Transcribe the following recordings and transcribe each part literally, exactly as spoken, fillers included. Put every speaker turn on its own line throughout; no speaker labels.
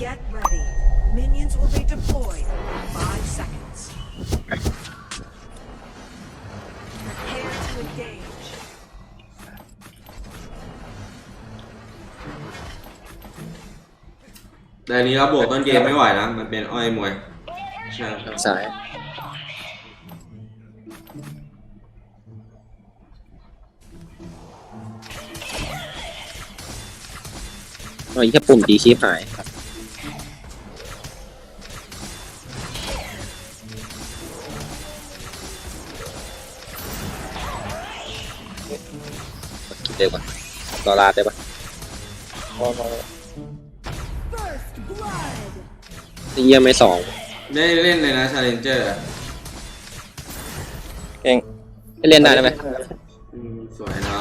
Get ready. Minions will be deployed in five seconds. Prepare to engage.
แต่อันนี้เราบวกต้นเกมไม่ไหวนะมันเป็นอ้อยมวยใช่ครับ
สายโอ้ยแค่ปุ่มดีคีบหายคิดได้ปะรอลาได้ปะ
พอพอ
First blood.
เยี่ยมไม่สอง
ได้เล่นเลยนะชาเลนเจอร์
เก่ง
ให้เล่นได้ไหม
สวยน้อง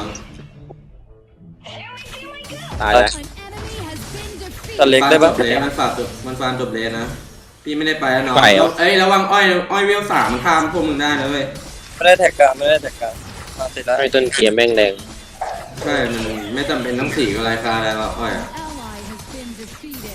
ตายแล้ว
An enemy has been
ตัด
defeated.
เล็กได้ปะ
ฟาร์มจบเลนมันฝากจบมันฟาร์มจบเลนนะพี่ไม่ได้ไปแล้วน้อง
ไปเหรอ
เอ้ยระวังอ้อยอ้อยเวลสามมันข้ามพวกมึงได้นะเว้ย
ไม่ได้แท็กกลางไม่ได้แท็กกลางมาติดแล้ว
ให้ต้นเกียร์แม่งแรง
ใช่มันไม่จำเป็นต้องสีกับราคาอะไรหรอกอ้อยอะ
Ally has been defeated.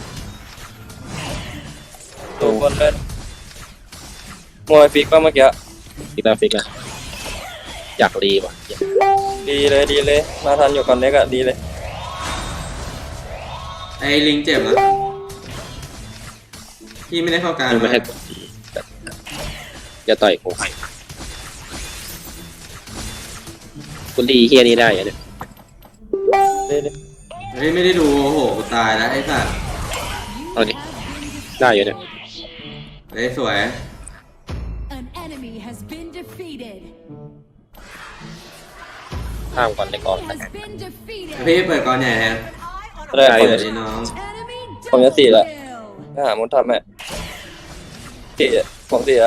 ตัวบนเล่นมวยฟิกป่ะเมื่อกี้
ฟิกแล้วฟิกแล้วอยากรีว่ะ
ดีเลยดีเลยมาทันอยู่ก่อนเล็กอะดีเลย
ไอ้ลิงเจ็บนะพี่ไม่ได้เข้ากลาร
ไม่ให้กดอย่าต่อยกูคุณดีเฮียนี้ได้เหรอเนี่ย
ดีดี
เฮ้ยไม่ได้ดูโอ้โหกูตายแล้วไอ้สัส
เอาดิได้อยู่เนี่ย
เฮ้ยสวย
An enemy has been defeated.
ข้ามก่อนเลยก่อน
Has been defeated.
พี่เปิดก่อนใหญ่แทน
ได้
ได้
เปิ
เล
ด
ย
ดิน้อง
Enemy
ผมจะสี่ละ
kill.
ไปหามุนทำแม่สี่ผมสี่อะ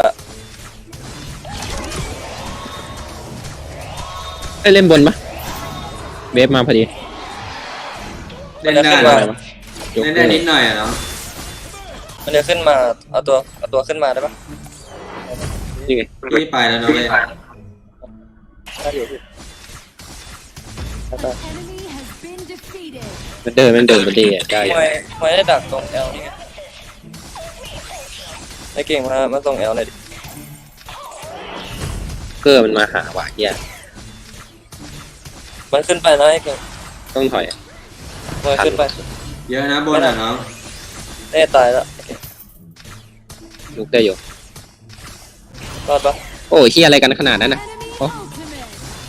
ให้เล่นบนปะเวฟมาพอดี
เล่นได้
ขึ้น
เหร
มา
อเล่นได้นิดหน่อยอะเนาะ
มันจะขึ้นมาเอาตัวเอาตัวขึ้นมาได้ปะ
นี่ไง
พี่ไปแล้วเนาะเว้ย
ได้อยู่พี่ได้
An enemy has been defeated.
มันเดินมันเดินมันดีอ่ะได้อยู่
มวยมวยได้ดักตรงแอลนี่ไงไอ้เก่งมามาตรงแอลหน่อยดิ
เกอร์มันมาหาว่ะเฮีย
มันขึ้นไปนะไอ้เก่ง
ต้องถอย
มวยขึ้นไป
เยอะนะบนอะน้อง
เน่ตายแล้ว
ลุกได้อยู่
รอดปะ
โอ้ยเฮียอะไรกันขนาดนั้นนะ
Enemy
Oh.
ultimate.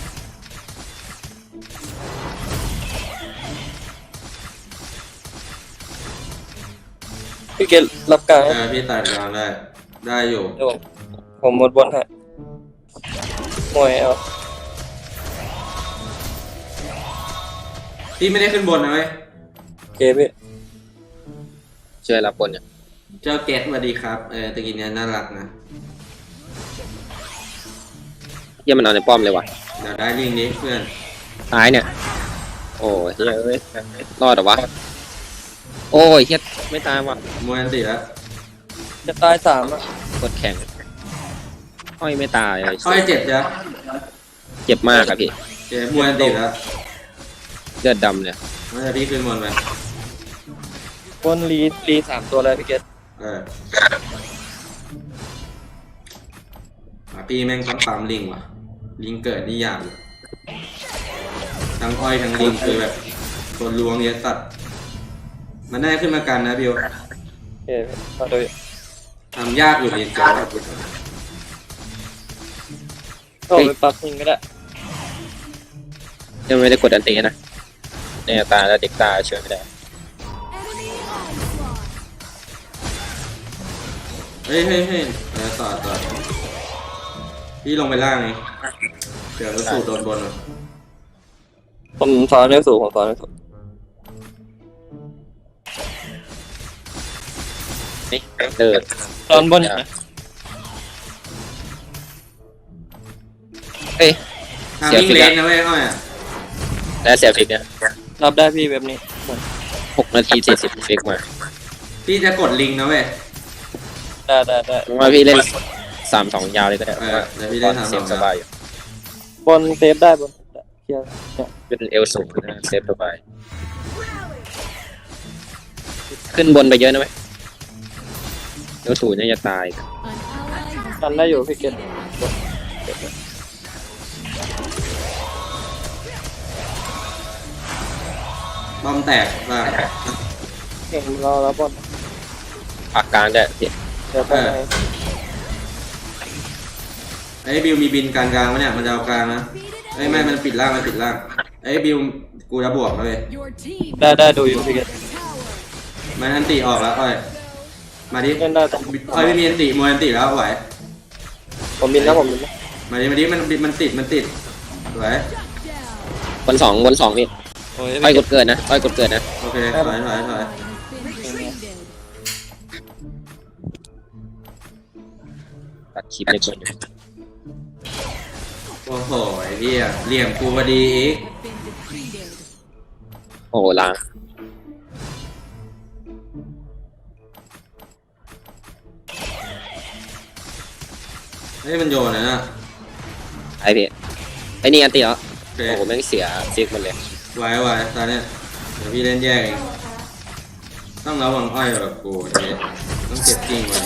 พี่เกดรับกลาง
เออพี่ตัดกลางได้ได้อยู่
เดี๋ยวผมผมหมดบนฮะมวยเอา
พี่ไม่ได้ขึ้นบนนะเว้ย
โอเคพี่
ช่วยรับบนเนี่ย
เจ้าเกตสวัสดีครับเออตะกี้เนี้ยน่ารักนะ
เฮียมันเอาในป้อมเลยว่ะ
เดี๋ยวได้ลิงนี้เพื่อน
ซ้ายเนี่ย โอ้ยเฮียเอ้ยรอดเหรอวะโอ้ยเฮียไม่ตายว่ะ
มวยอันติแล้ว
จะตายสามอ่ะ
กดแข็งอ้อยไม่ตายเลย
อ้อยเจ็บจ้ะ
เจ็บมากอะพี่
เจ็บมวยอันติแล้ว
เลือดดำเลย
ไม่ใช่พี่ขึ้นบนไป
บนรีรีสามตัวเลยพี่เกด
เอออ่ะพี่แม่งต้องปั๊มลิงว่ะลิงเกิดนี่ยากเลยทั้งอ้อยทั้งลิงคือแบบคนล้วงเยอะสัตว์มันได้ขึ้นมากันนะบิว
โอเคพี่มาดู
ทำยากอยู่ดีเจ้า
ก็ไปปรับยิงก็ได้
ยังไม่ได้กดอันตีนะเนี่ยตาแล้วเด็กตาช่วยไม่ได้
Enemy onslaught.
เฮ้ยเฮ้ยเฮ้ยเออต่อต่อพี่ลงไปล่างไงเดี๋ยวสูดโดนบนอ่ะ
ผมสอนเรื่องสูงผมสอนเรื่องสูง
นี่เดิน
ตอนบนเห็นไหม
เอ้ย
ทำวิ่งเลนนะเว้ยอ้อยอ่ะ
แล้วเสียฟิกเนี่ย
รับได้พี่แบบนี้
หกนาทีสี่สิบฟิกมา
พี่จะกดลิงนะเว้ย
ได้ได้ได้
ผมว่าพี่เล่นสามสองยาวเลยก็ได้
เออเดี๋ยวพี่เล่น
ตอน
สามสอง
เสียงสบายอยู่
บนเซฟได้บนเคลียร์เนี่ย
เป็นเอลสูงนะเซฟสบายขึ้นบนไปเยอะนะไหมเดี๋ยวสูน่าจะตาย
กันได้อยู่พี่เกต
บอมแตกบ้าง
เก่งรอแล้วบอล
ปากกลางได้พี่
เดี๋ยวไปไหน
ไอ้บิวมีบินกลางกลางวะเนี่ยมันจะเอากลางนะไอ้ยไม่มันปิดล่างมันปิดล่างไอ้บิวกูจะบวกแล้วเลย
Your team
ได้ได้ดูอยู่พี่เกต
มันอันติออกแล้วอ้อยมาดิ
เล่นได้แต่
อ้อยไม่มีอันติมวยอันติแล้วไหว
ผมบินนะผมบินนะ
มาดิมาดิมันมันติดมันติดไหว
บนสองบนสองพี่
โอ้ย
อ้อยกดเกิดนะอ้อยกดเกิดนะ
โอเคถอยถอยถอย
ตัดคลิปในกดอยู่
โอ้โหไอ้เหี้ยเหลี่ยมกูพอดีอีก
โอ้โหล้าง
เฮ้ยมันโยนนะน่ะ
ไอพี่ไอนี่อันตีแล้ว
โอเค
โอ้โหแม่งเสียซิกหมดเลย
ไหวไหวตอนเนี้ยเดี๋ยวพี่เล่นแยกเองต้องระวังอ้อยแบบกูเดี๋ยวต้องเก็บกิ้งไว้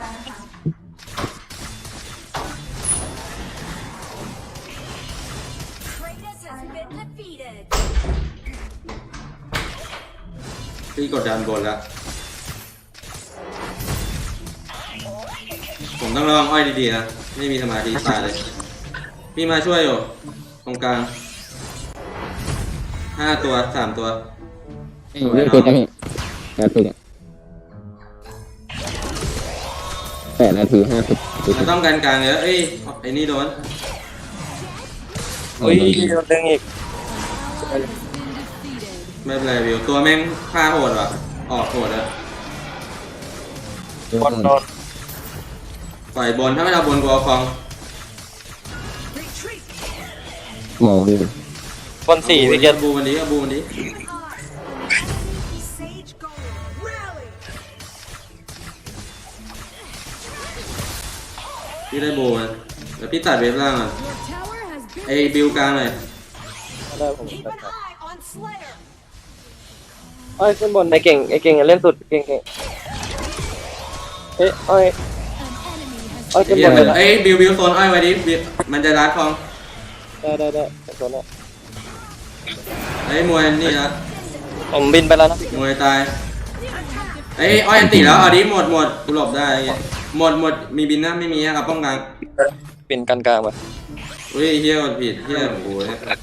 พี่กดดันบนแล้ว ผมต้องระวังอ้อยดีๆนะ ไม่มีสมาธิตายเลย พี่มาช่วยอยู่ ตรงกลาง ห้าตัวสามตัวสวย
เล่น
เนาะ
ติดนะพี่แปดติดแปดนาทีห้าสิบ
มันต้องการกลางเยอะเอ้ย ไอ้นี่โดน
โอ้ยโดนดึงอีก
ไม่เป็นไรวิว ตัวแม่งฆ่าโหดว่ะ ออกโหดอะ
บอลโดน
ปล่อยบน ถ้าไม่เอาบนกูเอาคลอง
retreat.
มองพี่
บอลสี่พี่เกต
บูมันนี้เอาบูมันนี้
Sage Golem, rally.
พี่ได้บูมันเดี๋ยวพี่ตัดเวฟล่างอ่ะ
Your tower has been
ไอ้บิวกลางหน่อย
ได้ผม
Keep an eye on Slayer.
ไอ้ยขึ้นบนไอ้เก่งไอ้เก่งเล่นสุดเก่งเก่งเอ้ยไอ้ยไอ้ยขึ้นบนเลยนะ
เอ้ยบิวบิวโซนอ้อยไว้ดิบิวมันจะรัดคลอง
ได้ได้ได้โซนละ
ไอ้ยมวยนี่นะ
ผมบินไปแล้วนะ
มวยตายไอ้ยอ้อยอันติแล้วเอาดิหมดหมดกูหลบได้ไอ้เงี้ยหมดหมดมีบินนะไม่มีอะครับป้องกัน
บินกันกลางไป
อุ้ยเฮี้ยกดผิดเฮี้ยโอ้โห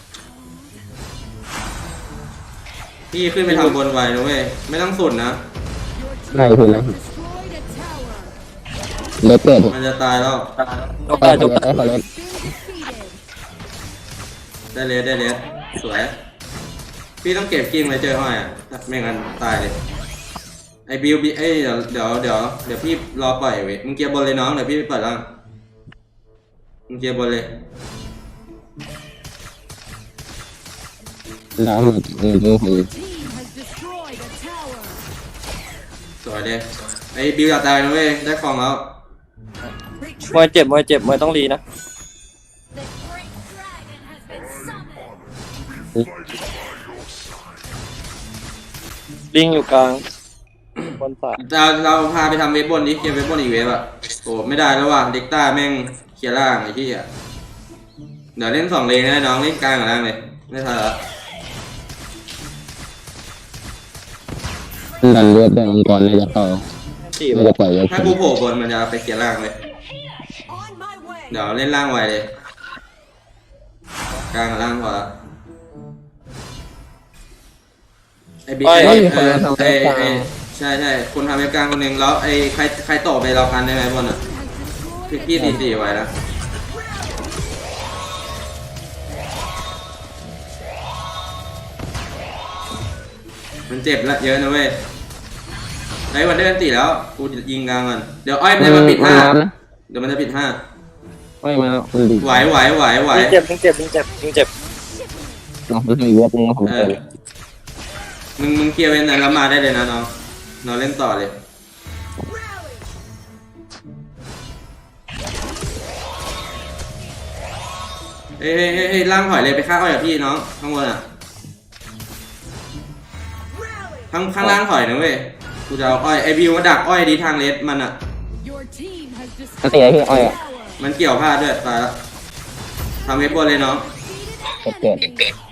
พี่ขึ้นไปทำบนไวนะเว้ยไม่ต้องสุดนะ
ได้ถึงแล้ว
Destroyed a tower.
เล็กเกิด
มันจะตายแล้ว
จบได้จบได้
ไอ้ขอเล็ก
Been defeated.
ได้เลสได้เลสสวยพี่ต้องเก็บกิ้งไว้เจออ้อยอ่ะไม่งั้นตายเลยไอ้บิวบิเอ้ยเดี๋ยวเดี๋ยวเดี๋ยวเดี๋ยวพี่รอปล่อยเว้ยมึงเกียร์บนเลยน้องเดี๋ยวพี่ไปเปิดล่างมึงเกียร์บนเลย
ล้างหมดเออดูคือ
Team has destroyed a tower.
สวยเลยไอ้บิวอย่าตายนะเว้ยได้ของแล้ว
มวยเจ็บมวยเจ็บมวยต้องรีนะ
The great dragon has been summoned.
ลิงอยู่กลางบนสาย
เราเราพาไปทำเว็บบนดิเกมเว็บบนอีกเว็บอ่ะโอ้ไม่ได้แล้วว่ะเด็กต้าแม่งเคลียร์ล่างไอ้ที่อ่ะเดี๋ยวเล่นสองเลนนะน้องเล่นกลางกับล่างเลยไม่ทันละ
ดันเลือดได้องค์กรเลยจะต่อ
สี่
ไม่จะปล่อยไว้
ถ้ากูโผล่บนมันจะไปเคลียร์ล่างเลย
On my way.
เดี๋ยวเล่นล่างไวเลยกลางกับล่างพอละไอ้บิ๊กไอ้เออไอ้ไอ้ใช่ใช่คนทำเว็บกลางคนหนึ่งแล้วไอ้ใครใครต่อไปเราพันได้ไหมบนอ่ะพี่พี่สี่สี่ไว้นะมันเจ็บละเยอะนะเว้ยไอ้วันเดอร์ตีแล้วกูยิงกลางก่อนเดี๋ยวอ้อยมันจะมาปิดห้าเดี๋ยวมันจะปิดห้า
ไม่มาคุณดี
ไหวไหวไหวไหว
ลิงเจ็บลิงเจ็บลิงเจ็บลิงเจ็บ
น้องมีเว็บนึงผม
เอ
เจ
อ
อ
มึงมึงเคลียร์เว้นนั้นแล้วมาได้เลยนะน้องน้องเล่นต่อเลย เฮ้ยเฮ้ยเฮ้ยเฮ้ยล่างถอยเลยไปฆ่าอ้อยกับพี่น้องข้างบนอ่ะ ข้างข้างล่างถอยนะเว้ยกูจะเอาอ้อยไอบิวมาดักอ้อยดีทางเลสมันอ่ะ
Your team has
ถ้าตีไอ้พี่อ้อย
destroyed
อ่ะ
a tower.
มันเกี่ยวพลาดด้วยตายแล้วทำเว็บบนเลยน้อง
เกิดเกิด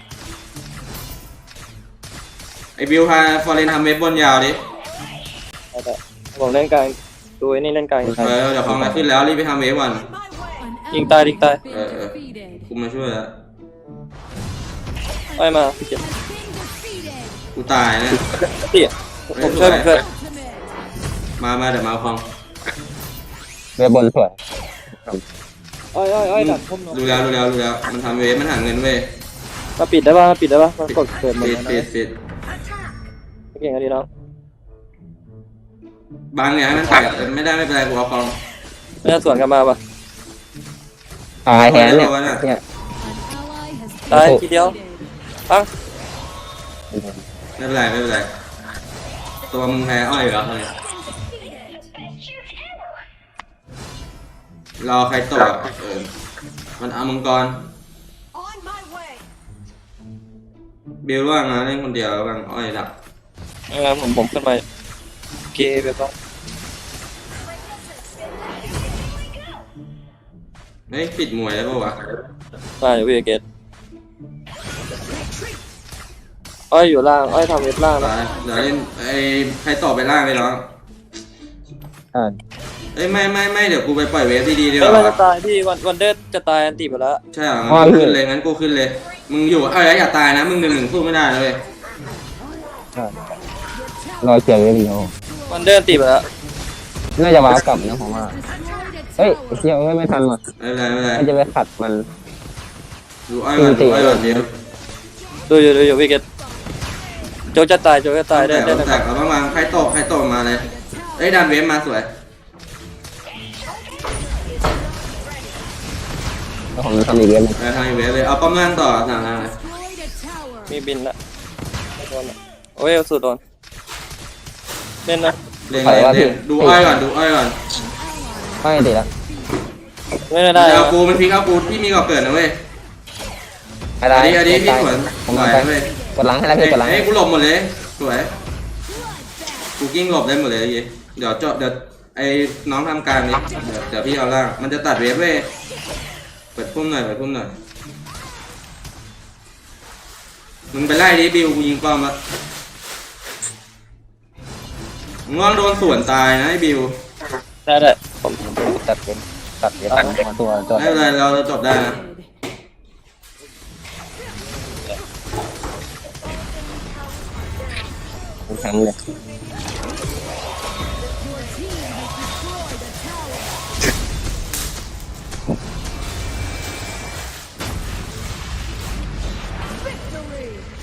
ไอบิวพาฟอร์เรนทำเว็บบนยาวดิ
เอาแต่ผมเล่นกลางดูไอ้นี่เล่นกลาง
เออเดี๋ยวของมาขึ้นแล้วรีบไปทำเว็บวัน
My way.
An
ยิงตายยิงตาย
ally has been
Ờ, ờ.
defeated.
กูมาช่วยแล้ว
อ้อยมาพี่เจ็บ
Has been defeated.
กูตายเนี่ย
เตี้ยผมช่วยผมช่วย
Ultimate.
มามาเดี๋ยวมาเอาของ
เว็บบนสวยอ้อยอ้อยอ้อยดักพุ่ม
รู้แล้วรู้แล้วรู้แล้วมันทำเว็บมันหาเงินเว้ย
มาปิดได้ป่ะมาปิดได้ป่ะมันกดเกิดหมด
ปิด
แล้ว
ปิด
นะ
ปิด
เก่งกันดีน้อง
บางเนี่ยให้มันแตกไม่ได้ไม่เป็นไรกูเอาของ
ไม่น่าสวนกันมาป่ะ
ตายแทนเนี่ยเนี่ย
An ally has
ตาย
โอ้โห
ทีเดียว
defeated.
ปัง
ไม่เป็นไรไม่เป็นไรตัวมึงแพ้อ้อยอยู่แล้วเฮ้ยรอใครต่อเออมันเอามังกร
On my way.
บิลว่างนะเล่นคนเดียวบางอ้อยดัก
งั้นผมผมขึ้นไปเกย์ไปป่ะ
เฮ้ยปิดมวยได้ปะวะ
ได้อยู่พี่เกตอ้อยอยู่ล่างอ้อยทำเว็บล่าง
ไป
นะ
เดี๋ยวเล่นไอ้ใครต่อไปล่างไปน้อง
อ่า
เอ้ยไม่ไม่ไม่เดี๋ยวกูไปปล่อยเวฟดีๆดีก
เฮ้ยมันจะ
ว่า
ตายพี่วันวันเดอร์จะตายอันตีไปแล้ว
ใช่เหรองั้นกูขึ้นเลยงั้นกูขึ้นเลย มึงอยู่เอ้ยอย่าตายนะมึงหนึ่งหนึ่งสู้ไม่ได้นะเลย
อ่า รอยเขียวเยอะดีโอ
วันเดอร์ตีไปแล้ว
น่าจะว้าวกลับนะผมว่า
Destroyed a
เฮ้ย
tower.
ไอ้เชี่ยเอ้ยไม่ทันว่ะ
ไม่เป็นไรไม่เป็นไร
น่าจะไปขัดมัน
ดูอ้อยก่อนดูอ้อยก่อนเดี๋ยว
ดูอยู่ดูอยู่พี่เกตโจกจะตายโจกจะตายได้
แต่
ได้
แต่
ได้
เอาบ้างวางใครตกใครตกมาเลยเอ้ยดันเวฟมาสวย
แล้วผมทำอีกเรื่องหนึง
ไปทางเวฟเลยเอาป้อมล่างต่อทางล่างเลย
Destroyed a tower.
มีบินละไม่โดนละโอ้ยเอาสุดโดนเล่นนะ
เล่นเล่นเล่นดูอ้อยก่อนดูอ้อยก่อน
ไม่ติดละ
ไม่ได้ได้
เอากูมันพลิกเอากูที่มีก่อเกิดนะเว้ย
อะไร
อันนี้อันนี้พี่สวน
ผม
ส
เอา
วย
ไป
เว้ย
กดหลังให้แล้วพี่กดหลัง
เอ้ยกูหลบหมดเลยสวยกูกิ้งหลบได้หมดเลยยี่เดี๋ยวเจาะเดี๋ยวไอ้น้องทำการนี้เดี๋ยวเดี๋ยวพี่เอาล่างมันจะตัดเวฟเว้ยเปิดพุ่มหน่อยเปิดพุ่มหน่อยมึงไปไล่ดิบิวกูยิงป้อมละมึงว่างโดนสวนตายนะไอ้บิว
ได้ได้ผม
ตัดเป็นตัดเดี๋ยวตัดตัวตัว
ไม่เป็นไรเราจบได้นะ
แข็งเลย
Victory.